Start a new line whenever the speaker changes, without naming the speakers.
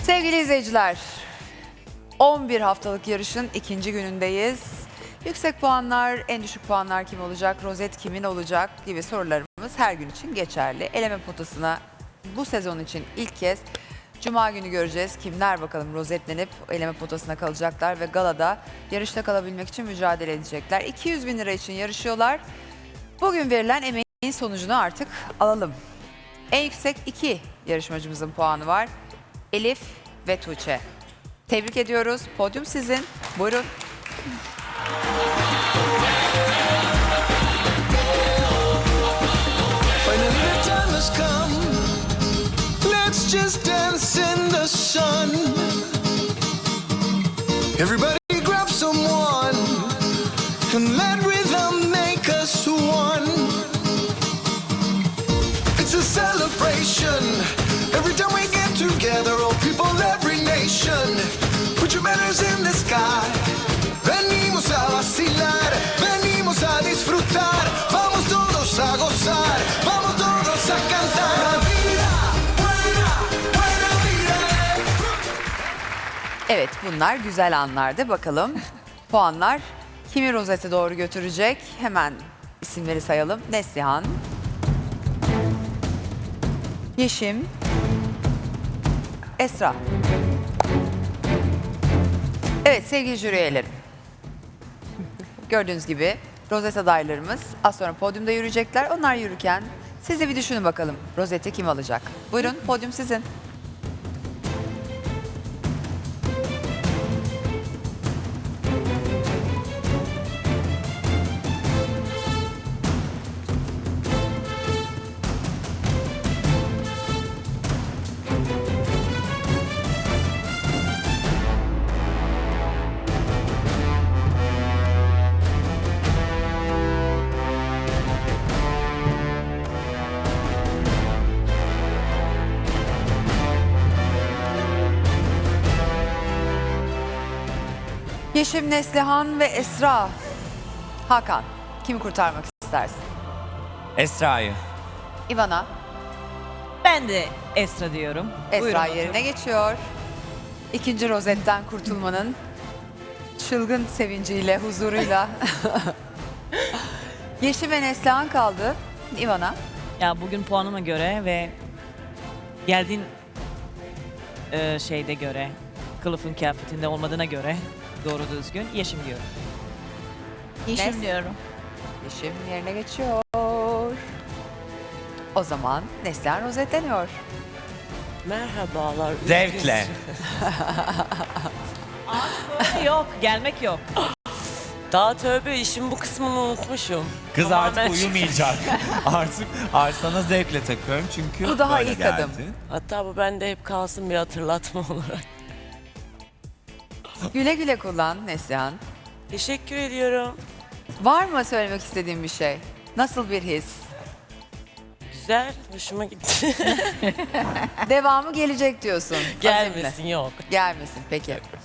Sevgili izleyiciler, 11 haftalık yarışın ikinci günündeyiz. Yüksek puanlar, en düşük puanlar kim olacak, rozet kimin olacak gibi sorularımız her gün için geçerli. Eleme potasına bu sezon için ilk kez Cuma günü göreceğiz. Kimler bakalım rozetlenip eleme potasına kalacaklar ve galada yarışta kalabilmek için mücadele edecekler. 200 bin lira için yarışıyorlar. Bugün verilen emeğin sonucunu artık alalım. En yüksek 2 yarışmacımızın puanı var. Elif ve Tuğçe. Tebrik ediyoruz. Podyum sizin. Buyurun.
Finally the time has come. Let's just dance in the sun. Everybody grab someone and let rhythm make us one. It's a celebration. Every time we get together, all people, every nation. Put your banners in the sky. Venimos a vacilar, venimos a disfrutar. Vamos todos a gozar, vamos todos a cantar. La vida, buena, buena vida.
Evet, bunlar güzel anlardı. Bakalım puanlar kimi rozete doğru götürecek? Hemen isimleri sayalım. Neslihan, Yeşim, Esra. Evet sevgili jüri üyeleri. Gördüğünüz gibi rozet adaylarımız az sonra podyumda yürüyecekler. Onlar yürürken siz de bir düşünün bakalım rozeti kim alacak? Buyurun, podyum sizin. Yeşim, Neslihan ve Esra. Hakan, kimi kurtarmak istersin?
Esra'yı.
İvana,
Ben de Esra diyorum.
Esra
Buyurun,
yerine
oturun.
geçiyor. İkinci rozetten kurtulmanın çılgın sevinciyle, huzuruyla. Yeşim ve Neslihan kaldı. İvana,
Ya bugün puanıma göre ve geldiğin şeyde göre, kılıfın kıyafetinde olmadığına göre doğru düzgün Yeşim diyorum.
Yeşim
diyorum.
Yeşim yerine geçiyor. O zaman Neslihan rozetleniyor.
Merhabalar.
Zevkle.
Yok, gelmek yok.
Daha tövbe işin bu kısmını unutmuşum.
Kız
Tamamen
artık uyumayacak. Artık sana zevkle takıyorum çünkü
Bu daha
böyle
ilk adım.
geldi.
Hatta bu bende hep kalsın bir hatırlatma olarak.
Güle güle kullan Neslihan.
Teşekkür ediyorum.
Var mı söylemek istediğin bir şey? Nasıl bir his?
Güzel, hoşuma gitti.
Devamı gelecek diyorsun.
Gelmesin
Azimle.
yok.
Gelmesin peki.